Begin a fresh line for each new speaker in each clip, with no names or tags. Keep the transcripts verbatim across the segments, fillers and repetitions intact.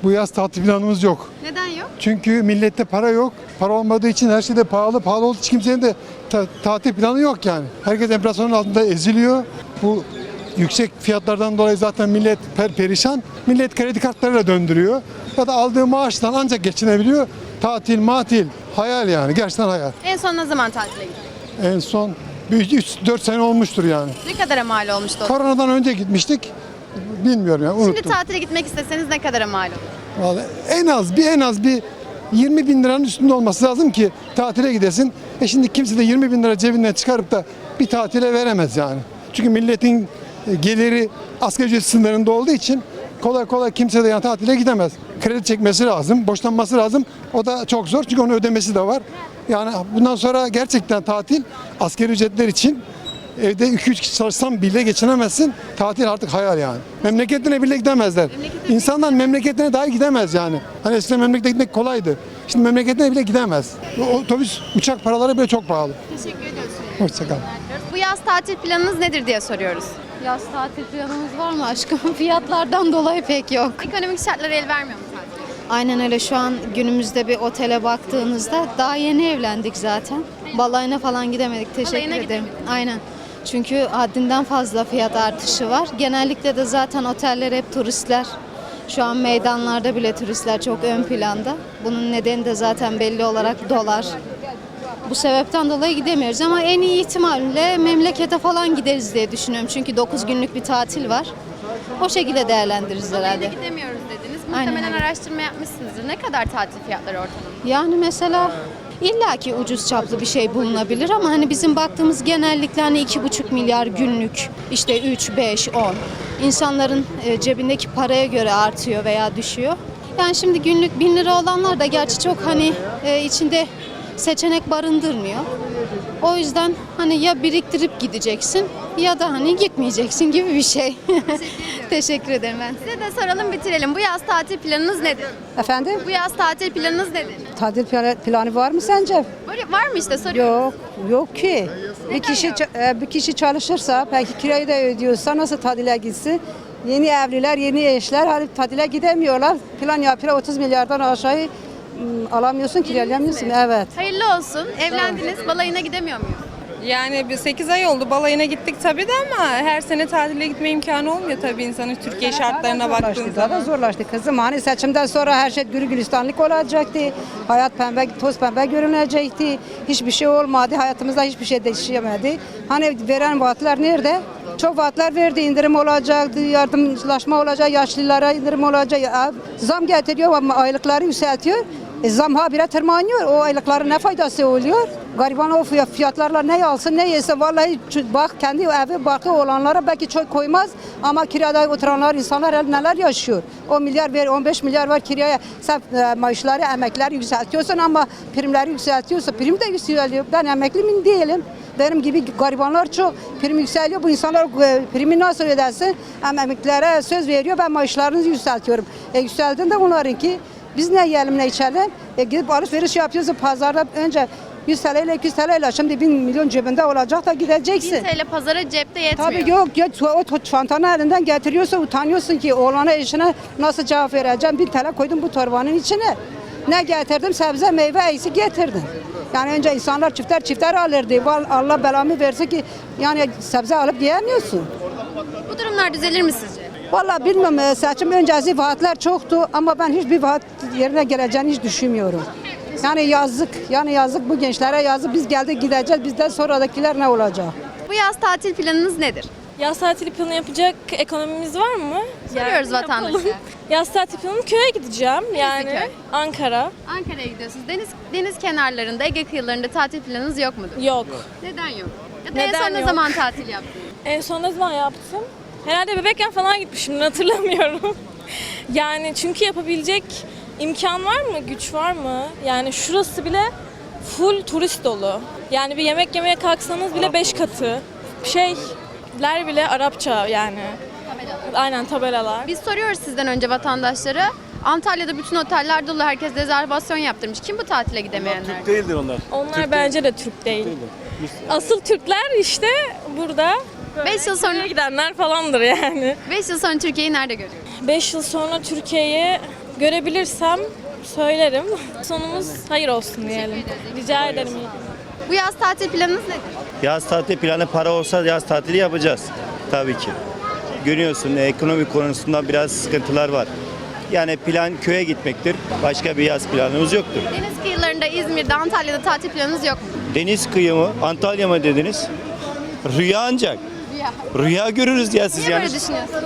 Bu yaz tatil planımız yok.
Neden yok?
Çünkü millette para yok. Para olmadığı için her şey de pahalı. Pahalı olduğu için kimsenin de ta- tatil planı yok yani. Herkes enflasyonun altında eziliyor. Bu yüksek fiyatlardan dolayı zaten millet per perişan. Millet kredi kartlarıyla döndürüyor. Ya da aldığı maaştan ancak geçinebiliyor. Tatil, matil, hayal yani. Gerçekten hayal.
En son ne zaman tatile gittin?
En son üç dört sene olmuştur yani.
Ne kadara mal olmuştu o?
Koronadan önce gitmiştik. Bilmiyorum yani unuttum.
Şimdi tatile gitmek isteseniz ne kadara mal olur?
Vallahi en az bir en az bir yirmi bin liranın üstünde olması lazım ki tatile gidesin. E şimdi kimse de yirmi bin lira cebinden çıkarıp da bir tatile veremez yani. Çünkü milletin geliri asgari ücret sınırlarında olduğu için kolay kolay kimse de yani tatile gidemez. Kredi çekmesi lazım, borçlanması lazım. O da çok zor çünkü onun ödemesi de var. Yani bundan sonra gerçekten tatil asgari ücretler için evde iki üç kişi çalışsam bile geçinemezsin. Tatil artık hayal yani. Memleketine bile gidemezler. İnsanlar memleketine dahi gidemez yani. Hani eskiden memlekete gitmek kolaydı. Şimdi memleketine bile gidemez. O otobüs, uçak paraları bile çok pahalı.
Teşekkür ediyoruz.
Hoşçakal.
Bu yaz tatil planınız nedir diye soruyoruz.
Yaz tatil planımız var mı aşkım? Fiyatlardan dolayı pek yok.
Ekonomik şartlar el vermiyor mu tatile?
Aynen öyle, şu an günümüzde bir otele baktığınızda daha yeni evlendik zaten. Balayına falan gidemedik. Teşekkür
Balayına
ederim. Aynen. Çünkü haddinden fazla fiyat artışı var. Genellikle de zaten oteller hep turistler. Şu an meydanlarda bile turistler çok ön planda. Bunun nedeni de zaten belli olarak dolar. Bu sebepten dolayı gidemiyoruz ama en iyi ihtimalle memlekete falan gideriz diye düşünüyorum. Çünkü dokuz günlük bir tatil var. O şekilde değerlendiririz
Balayına
herhalde.
gidemiyoruz dediniz.
Aynen
Muhtemelen
öyle.
araştırma yapmışsınızdır. Ne kadar tatil fiyatları ortalama?
Yani mesela illaki ucuz çaplı bir şey bulunabilir ama hani bizim baktığımız genellikle hani iki buçuk milyar günlük, işte üç, beş, on. İnsanların e, cebindeki paraya göre artıyor veya düşüyor. Yani şimdi günlük bin lira olanlar da gerçi çok hani e, içinde seçenek barındırmıyor. O yüzden hani ya biriktirip gideceksin ya da hani gitmeyeceksin gibi bir şey. Teşekkür ederim ben.
Size de soralım, bitirelim. Bu yaz tatil planınız nedir?
Efendim?
Bu yaz tatil planınız nedir?
Tatil planı, planı var mı sence?
Böyle var mı işte, soruyorum.
Yok, yok ki. Bir kişi
yok?
ça- e, bir kişi çalışırsa, belki kirayı da ödüyorsa nasıl tatile gitsin? Yeni evliler, yeni eşler hani tatile gidemiyorlar. Plan yapıyor, otuz milyardan aşağı ım, alamıyorsun, kiralayamıyorsun. Evet.
Hayırlı olsun. Evlendiniz. Balayına gidemiyor muyuz?
Yani bir sekiz ay oldu, balayına gittik tabii de ama her sene tatile gitme imkanı olmuyor tabii insanın Türkiye şartlarına baktığın
Zorlaştı, daha da
zaman.
zorlaştı kızım. Hani seçimden sonra her şey gülü gülistanlık olacaktı. Hayat pembe, toz pembe görünecekti. Hiçbir şey olmadı. Hayatımızda hiçbir şey değişemedi. Hani veren vaatler nerede? Çok vaatler verdi. İndirim olacaktı, yardımlaşma olacak, yaşlılara indirim olacak. Ya, zam getiriyor ama aylıkları yükseltiyor. E, zam habire tırmanıyor. O aylıkların ne faydası oluyor? Gariban o fiyat- fiyatlarla ne alsın ne yesin. Vallahi ç- bak kendi evi barkı olanlara belki çok koymaz ama kirada oturanlar insanlar neler yaşıyor. on milyar ver, on beş milyar var kiraya. Sen e, maaşları, emekleri yükseltiyorsun ama primleri yükseltiyorsun. Prim de yükseliyor. Ben emekli mi değilim. Benim gibi garibanlar çok prim yükseliyor. Bu insanlar e, primi nasıl ödersin? Hem emeklilere söz veriyor. Ben maaşlarını yükseltiyorum. E, yükseldiğinde onlarınki biz ne yiyelim ne içelim? E, gidip alışveriş yapıyoruz pazarda önce yüz T L ile iki yüz T L ile şimdi bin milyon cebinde olacak da gideceksin.
bin T L pazara cepte yetmiyor.
Tabii yok, yok o çantanı elinden getiriyorsa utanıyorsun ki oğlana eşine nasıl cevap vereceğim? bin T L koydum bu torbanın içine. Ne getirdim? Sebze, meyve, eksik getirdim. Yani önce insanlar çifter çifter alırdı. Val- Allah belamı versin ki yani sebze alıp yiyemiyorsun.
Bu durumlar düzelir mi sizce?
Vallahi bilmiyorum, e, seçim öncesi vaatler çoktu ama ben hiçbir vaat yerine geleceğini hiç düşünmüyorum. Yani yazık, yani yazık bu gençlere yazık. Biz geldik gideceğiz, bizden sonradakiler ne olacak?
Bu yaz tatil planınız nedir?
Yaz tatili planı yapacak ekonomimiz var mı?
Soruyoruz vatandaşa.
Yaz tatili planım köye gideceğim. Yani
köy?
Ankara.
Ankara'ya gidiyorsunuz. Deniz deniz kenarlarında, Ege kıyılarında tatil planınız yok mudur?
Yok.
Neden yok? Ya da en
Neden
son ne
yok?
zaman tatil yaptınız?
En son ne zaman yaptım? Herhalde bebekken falan gitmişim, hatırlamıyorum. Yani çünkü yapabilecek imkan var mı, güç var mı? Yani şurası bile full turist dolu. Yani bir yemek yemeye kalksanız bile beş katı. Şeyler bile Arapça yani. Aynen, tabelalar.
Biz soruyoruz sizden önce vatandaşlara. Antalya'da bütün oteller dolu. Herkes rezervasyon yaptırmış. Kim bu tatile gidemeyenler?
Türk değildir onlar.
Onlar bence de Türk değil. Asıl Türkler işte burada.
beş yıl sonra
gidenler falandır yani.
beş yıl sonra Türkiye'yi nerede görüyoruz?
beş yıl sonra Türkiye'yi görebilirsem söylerim. Sonumuz hayır olsun diyelim. Rica ederim.
Bu yaz tatil planınız nedir?
Yaz tatili planı para olsa yaz tatili yapacağız tabii ki. Görüyorsun ekonomi konusunda biraz sıkıntılar var. Yani plan köye gitmektir. Başka bir yaz planımız yoktur.
Deniz kıyılarında, İzmir'de, Antalya'da tatil planınız yok mu?
Deniz kıyı mı, Antalya mı dediniz? Rüya ancak.
Rüya.
Rüya görürüz ya siz
Niye
yani.
böyle düşünüyorsunuz?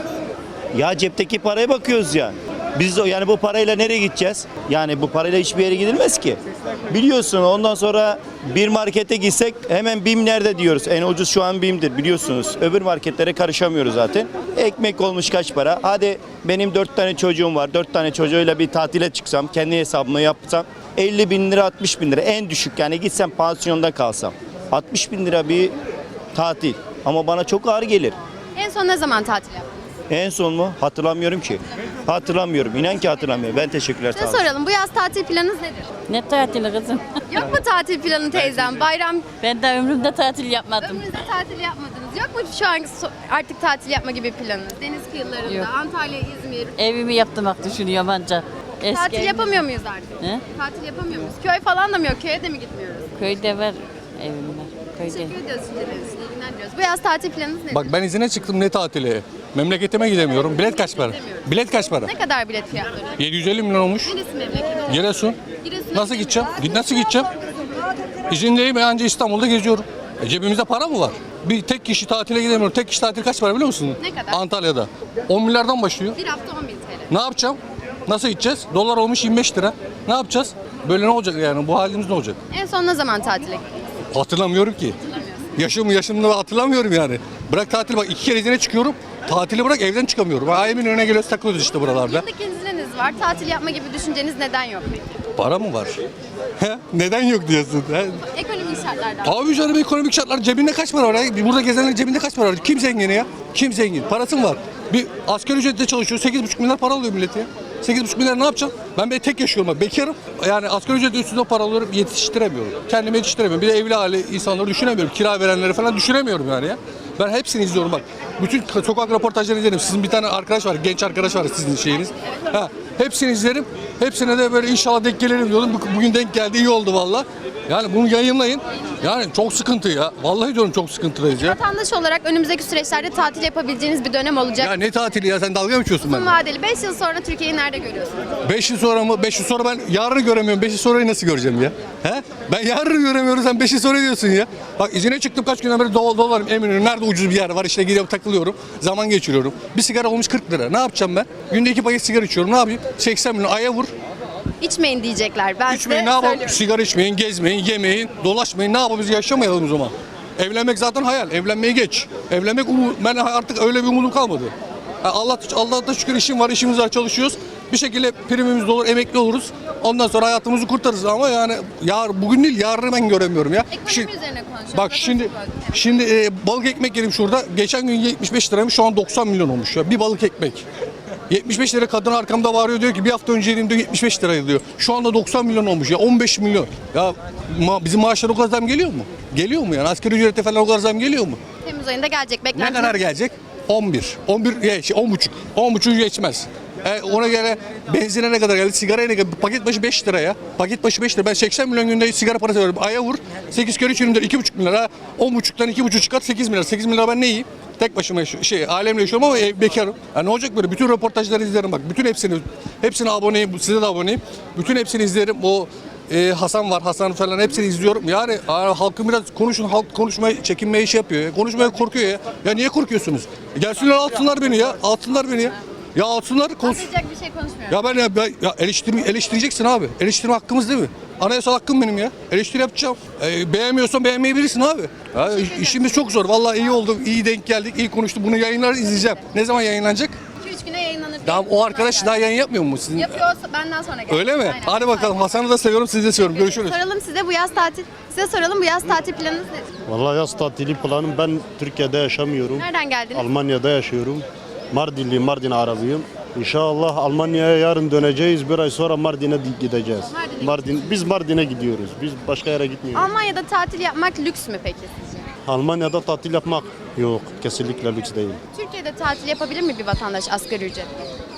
Ya cepteki paraya bakıyoruz ya. Biz o yani bu parayla nereye gideceğiz? Yani bu parayla hiçbir yere gidilmez ki. Biliyorsun ondan sonra bir markete gitsek hemen BİM nerede diyoruz. En ucuz şu an BİM'dir biliyorsunuz. Öbür marketlere karışamıyoruz zaten. Ekmek olmuş kaç para? Hadi benim dört tane çocuğum var. Dört tane çocuğuyla bir tatile çıksam, kendi hesabımı yapsam elli bin lira altmış bin lira en düşük yani gitsem pansiyonda kalsam. altmış bin lira bir tatil ama bana çok ağır gelir.
En son ne zaman tatil yaptınız?
En son mu? Hatırlamıyorum ki. Hatırlamıyorum. İnan ki hatırlamıyorum. Ben teşekkürler. Sağ
Size
olun.
soralım. Bu yaz tatil planınız nedir?
Ne tatili kızım?
Yok mu tatil planı teyzem? Bayram
Ben de ömrümde tatil yapmadım.
ömrünüzde tatil yapmadınız. Yok mu şu an so- artık tatil yapma gibi planınız? Deniz kıyılarında,
Yok.
Antalya, İzmir.
Evimi yaptırmak düşünüyorum ancak. Eski
Tatil
evim-
yapamıyor muyuz artık?
He?
Tatil yapamıyor muyuz? Köy falan da mı yok? Köye de mi gitmiyoruz?
Köyde var evim var. Köyde.
Teşekkür ediyoruz size de. İyi günler diliyoruz. Bu yaz tatil planınız nedir?
Bak ben izine çıktım ne tatili? Memleketime gidemiyorum. Bilet kaç para? Bilet kaç para?
Ne kadar bilet fiyatları?
yedi yüz elli milyon olmuş.
Neresi memleketi?
Giresun.
Giresun'a
Nasıl
gidemiyoruz.
gideceğim? Git nasıl gideceğim? İzindeyim ben anca İstanbul'da geziyorum. E cebimizde para mı var? Bir tek kişi tatile gidemiyorum. Tek kişi tatil kaç para biliyor musun?
Ne kadar?
Antalya'da. on milyardan başlıyor.
Bir hafta on bin T L.
Ne yapacağım? Nasıl gideceğiz? Dolar olmuş yirmi beş lira. Ne yapacağız? Böyle ne olacak yani? Bu halimiz ne olacak?
En son ne zaman tatile gittiniz?
Hatırlamıyorum ki. Yaşım yaşımda hatırlamıyorum yani. Bırak tatil bak iki kere izine çıkıyorum. Tatili bırak evden çıkamıyorum. Ailemin önüne geliyoruz takılıyoruz işte buralarda.
Yıllık izniniz var. Tatil yapma gibi düşünceniz neden yok peki?
Para mı var? He? Neden yok diyorsun? He?
Ekonomik şartlardan.
Abi canım ekonomik şartlar cebinde kaç para var ya? Burada gezenlerin cebinde kaç para var? Kim zengin ya? Kim zengin? Parası mı var? Bir asgari ücretle çalışıyor. sekiz buçuk milyar para alıyor millet ya. sekiz buçuk milyar ne yapacağım? Ben bir tek yaşıyorum bak. Bekarım. Yani asgari ücretle üstünde para alıyorum. Yetiştiremiyorum. Kendimi yetiştiremiyorum. Bir de evli hali insanları düşünemiyorum. Kira verenleri falan düşünemiyorum yani ya. Ben hepsini izliyorum bak. Bütün sokak röportajlarını izlerim. Sizin bir tane arkadaş var, genç arkadaş var sizin şeyiniz. Ha, hepsini izlerim. Hepsine de böyle inşallah denk gelirim diyordum. Bu- Bugün denk geldi, iyi oldu valla. Yani bunu yayınlayın. Yani çok sıkıntı ya. Vallahi diyorum çok sıkıntıyız ya.
Vatandaş olarak önümüzdeki süreçlerde tatil yapabileceğiniz bir dönem olacak.
Ya ne tatili ya? Sen dalga mı geçiyorsun
Uzun
benimle?
vadeli beş yıl sonra Türkiye'yi nerede görüyorsunuz?
beş yıl sonra mı? beş yıl sonra ben yarını göremiyorum. beş yıl sonrayı nasıl göreceğim ya? He? Ben yarını göremiyorum, sen beş yıl sonra diyorsun ya. Bak izine çıktım kaç günden beri dol dolarım eminim. Nerede ucuz bir yer var işte gidiyorum takılıyorum. Zaman geçiriyorum. Bir sigara olmuş kırk lira. Ne yapacağım ben? Günde iki paket sigara içiyorum. Ne yapayım? seksen milyon aya vur.
İçmeyin diyecekler. Ben
İçmeyin ne
size
yapalım?
söylüyorum.
Sigara içmeyin, gezmeyin, yemeyin, dolaşmayın. Ne yapalım biz yaşamayalım o zaman? Evlenmek zaten hayal. Evlenmeyi geç. Evlenmek umut. Ben artık öyle bir umudum kalmadı. Ha, Allah Allah'a şükür işim var, işimiz var, çalışıyoruz. Bir şekilde primimiz de olur, emekli oluruz. Ondan sonra hayatımızı kurtarırız ama yani yar bugün değil yarını ben göremiyorum ya.
Ekonomi
Şimdi-
üzerine konuşuyoruz.
Bak şimdi şimdi e, balık ekmek yedim şurada. Geçen gün yetmiş beş liraymış, şu an doksan milyon olmuş ya. Bir balık ekmek. yetmiş beş lira kadın arkamda bağırıyor diyor ki bir hafta önce yedim diyor yetmiş beş liraydı diyor. Şu anda doksan milyon olmuş ya, on beş milyon. Ya ma- bizim maaşlar o kadar zam geliyor mu? Geliyor mu yani? Asgari ücrete falan o kadar zam geliyor mu?
Temmuz ayında gelecek.
Ne
Beklentiniz.
kadar gelecek? on bir. on bir ya şey on buçuk. on buçuk geçmez. E, ona göre benzine ne kadar geldi? Sigaraya ne kadar? Paket başı beş lira ya. Paket başı beş lira. Ben seksen milyon günde sigara parası veriyorum. Aya vur. sekiz kere üç yirmi dört. iki buçuk milyar. on buçuktan iki buçuk çıkart sekiz milyar. sekiz milyar ben ne yiyeyim? Tek başıma yaşıyorum. Şey, ailemle yaşıyorum ama ev, bekarım. Ya ne olacak böyle? Bütün röportajları izlerim bak. Bütün hepsini, hepsine aboneyim. Size de aboneyim. Bütün hepsini izlerim. O e, Hasan var, Hasan falan hepsini izliyorum. Yani a, halkın biraz konuşun, halk konuşmaya çekinmeye iş yapıyor ya. Konuşmaya korkuyor ya. Ya niye korkuyorsunuz? Gelsinler alsınlar beni ya. Alsınlar beni ya. Ya alsınlar konuş.
Anlayacak bir şey konuşmuyorum.
Ya ben ya, ben, ya eleştirme, eleştireceksin abi. Eleştirme hakkımız değil mi? Anayasal hakkım benim ya. Eleştiri yapacağım. E, beğenmiyorsan beğenmeyebilirsin abi. Ya, işimiz çok zor. Vallahi iyi oldu. İyi denk geldik. İyi konuştuk. Bunu yayınlar izleyeceğim. Ne zaman yayınlanacak?
iki üç güne yayınlanır.
Tamam o arkadaş daha yayın yapmıyor mu sizin?
Yapıyorsa benden sonra gelecek.
Öyle mi?
Aynen.
Hadi bakalım. Hasan'ı da seviyorum, sizi de seviyorum. Görüşürüz.
Soralım size bu yaz tatil. Size soralım bu yaz tatil planınız nedir?
Vallahi yaz tatili planım, ben Türkiye'de yaşamıyorum.
Nereden geldiniz?
Almanya'da yaşıyorum. Mardinli, Mardin Arabıyım. İnşallah Almanya'ya yarın döneceğiz. Bir ay sonra Mardin'e gideceğiz.
Mardin'e
Mardin, biz Mardin'e gidiyoruz. Biz başka yere gitmiyoruz.
Almanya'da tatil yapmak lüks mü peki sizce?
Almanya'da tatil yapmak yok. Kesinlikle lüks değil.
Türkiye'de tatil yapabilir mi bir vatandaş asgari ücret?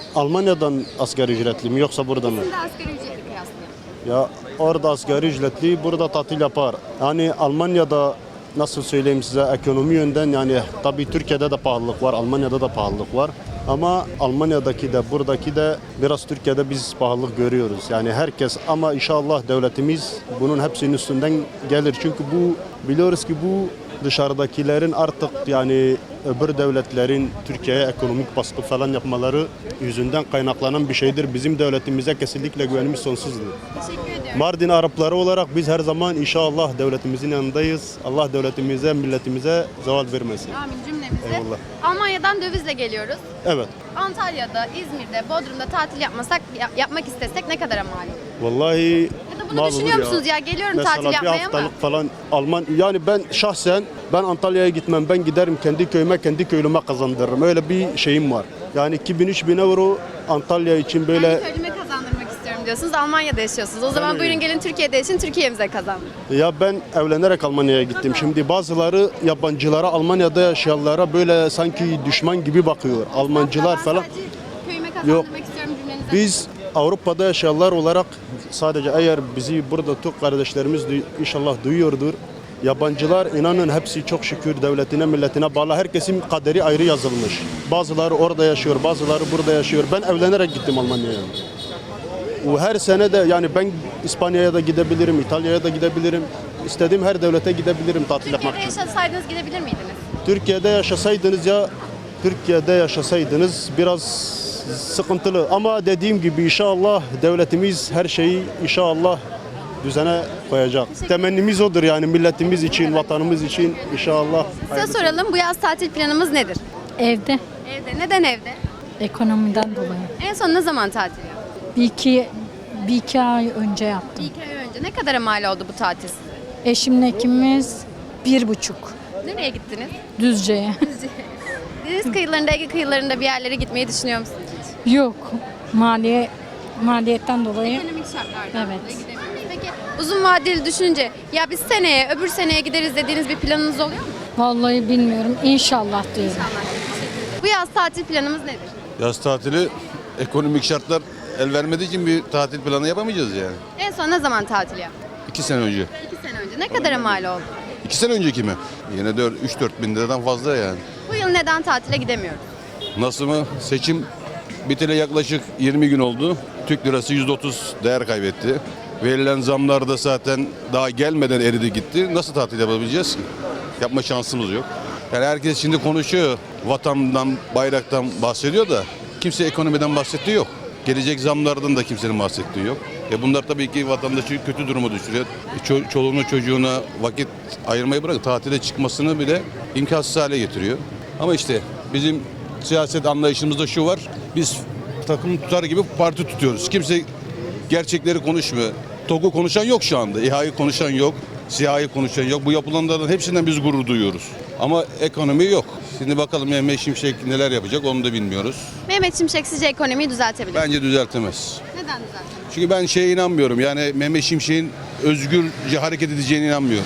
Almanya'dan asgari ücretli mi yoksa burada mı?
Şimdi asgari ücretli kıyaslayalım.
Ya orada asgari ücretli, burada tatil yapar. Yani Almanya'da nasıl söyleyeyim size ekonomi yönden yani tabii Türkiye'de de pahalılık var, Almanya'da da pahalılık var. Ama Almanya'daki de buradaki de biraz Türkiye'de biz pahalılık görüyoruz. Yani herkes ama inşallah devletimiz bunun hepsinin üstünden gelir. Çünkü bu biliyoruz ki bu dışarıdakilerin artık yani öbür devletlerin Türkiye'ye ekonomik baskı falan yapmaları yüzünden kaynaklanan bir şeydir. Bizim devletimize kesinlikle güvenimiz sonsuzdur.
Teşekkür ediyorum.
Mardin Arapları olarak biz her zaman inşallah devletimizin yanındayız. Allah devletimize, milletimize zeval vermesin.
Amin cümlemize.
Eyvallah.
Almanya'dan dövizle geliyoruz.
Evet.
Antalya'da, İzmir'de, Bodrum'da tatil yapmasak, ya- yapmak istesek ne kadara mal olur?
Vallahi
Ya da bunu
mal
düşünüyor
olur
musunuz ya? Geliyorum
Mesela
tatil
bir
yapmaya ama.
haftalık falan Alman yani ben şahsen ben Antalya'ya gitmem. Ben giderim kendi köyüme, kendi köylüme kazandırırım. Öyle bir şeyim var. Yani iki bin üç bin euro Antalya için böyle
Kendi köylüme kazandırmak istiyorum diyorsunuz. Almanya'da yaşıyorsunuz. O zaman
öyle.
buyurun gelin Türkiye'de yaşayın, Türkiye'mize kazandırın.
ya ben evlenerek Almanya'ya gittim. Şimdi bazıları yabancılara, Almanya'da yaşayanlara böyle sanki düşman gibi bakıyor. Almancılar
Ben
falan.
sadece köyüme kazandırmak istiyorum cümlenize.
Biz Avrupa'da yaşayanlar olarak sadece eğer bizi burada Türk kardeşlerimiz duy- inşallah duyuyordur. Yabancılar inanın hepsi çok şükür devletine, milletine bağlı. Herkesin kaderi ayrı yazılmış. Bazıları orada yaşıyor, bazıları burada yaşıyor. Ben evlenerek gittim Almanya'ya. O her sene de yani ben İspanya'ya da gidebilirim, İtalya'ya da gidebilirim. İstediğim her devlete gidebilirim tatil yapmak
Türkiye'de
için.
yaşasaydınız gidebilir miydiniz?
Türkiye'de yaşasaydınız ya Türkiye'de yaşasaydınız biraz sıkıntılı ama dediğim gibi inşallah devletimiz her şeyi inşallah düzene koyacak. Temennimiz odur yani milletimiz için, vatanımız için inşallah.
Size soralım bu yaz tatil planımız nedir?
Evde,
Evde. Neden evde?
ekonomiden dolayı.
En son ne zaman tatil yaptınız?
Bir iki, bir iki ay önce yaptım.
Bir iki ay önce. Ne kadara mal oldu bu tatil size?
Eşimle ikimiz bir buçuk
Nereye gittiniz?
Düzce'ye.
Deniz kıyılarında, Ege kıyılarında bir yerlere gitmeyi düşünüyor musunuz?
Yok, maliye maliyetten dolayı.
Ekonomik şartlardan
Evet.
dolayı gidemiyoruz. Peki uzun vadeli düşünce ya biz seneye, öbür seneye gideriz dediğiniz bir planınız oluyor mu?
Vallahi bilmiyorum. İnşallah diyorum.
Bu yaz tatil planımız nedir?
Yaz tatili ekonomik şartlar el vermediği için bir tatil planı yapamayacağız yani.
En son ne zaman tatil yaptınız?
İki sene önce.
İki sene önce. Ne kadara mal oldu?
İki sene önceki mi? Yine de üç dört bin liradan fazla yani.
Bu yıl neden tatile gidemiyoruz?
Nasıl mı? Seçim biteli yaklaşık yirmi gün oldu. Türk lirası yüzde otuz değer kaybetti. Verilen zamlar da zaten daha gelmeden eridi gitti. Nasıl tatil yapabileceğiz ki? Yapma şansımız yok. Yani herkes şimdi konuşuyor. Vatandan, bayraktan bahsediyor da kimse ekonomiden bahsettiği yok. Gelecek zamlardan da kimsenin bahsettiği yok. E bunlar tabii ki vatandaşı kötü duruma düşürüyor. E ço- çoluğuna çocuğuna vakit ayırmayı bırak tatile çıkmasını bile imkansız hale getiriyor. Ama işte bizim siyaset anlayışımızda şu var. Biz takım tutar gibi parti tutuyoruz. Kimse gerçekleri konuşmuyor. TOG'u konuşan yok şu anda. İHA'yı konuşan yok. SİHA'yı konuşan yok. Bu yapılanlardan hepsinden biz gurur duyuyoruz. Ama ekonomi yok. Şimdi bakalım Mehmet Şimşek neler yapacak onu da bilmiyoruz.
Mehmet Şimşek sizce ekonomiyi düzeltebilir mi?
Bence düzeltemez.
Neden düzeltemez?
Çünkü ben şeye inanmıyorum. Yani Mehmet Şimşek'in özgürce hareket edeceğine inanmıyorum.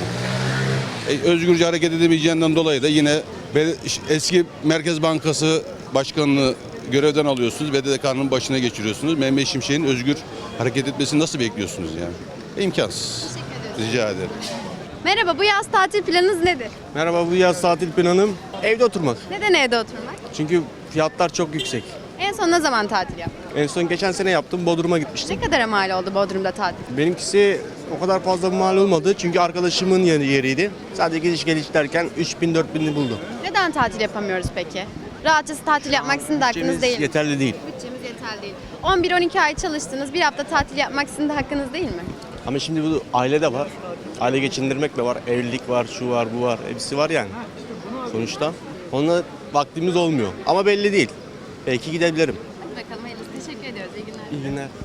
E, özgürce hareket edemeyeceğinden dolayı da yine be- eski Merkez Bankası Başkanı'nı görevden alıyorsunuz. B D D K'nın başına geçiriyorsunuz. Mehmet Şimşek'in özgür hareket etmesini nasıl bekliyorsunuz yani? İmkansız. Rica ederim.
Merhaba, bu yaz tatil planınız nedir?
Merhaba, bu yaz tatil planım evde oturmak.
Neden evde oturmak?
Çünkü fiyatlar çok yüksek.
En son ne zaman tatil yaptınız?
En son geçen sene yaptım, Bodrum'a gitmiştim.
Ne kadara mal oldu Bodrum'da tatil?
Benimkisi o kadar fazla mal olmadı çünkü arkadaşımın yeri yeriydi. Sadece gidiş geliş derken üç bin dört bin'i buldu.
Neden tatil yapamıyoruz peki? Rahatçası tatil yapmak sizin de hakkınız
Bütçemiz
değil mi?
yeterli değil.
Bütçemiz yeterli değil. on bir on iki ay çalıştınız, bir hafta tatil yapmak sizin de hakkınız değil mi?
Ama şimdi bu aile de var. Aile geçindirmek de var. Evlilik var, şu var, bu var. Hepsi var yani. Sonuçta. Onunla vaktimiz olmuyor. Ama belli değil. Belki gidebilirim.
Hadi bakalım hayırlısı. Teşekkür ediyoruz. İyi günler.
İyi günler.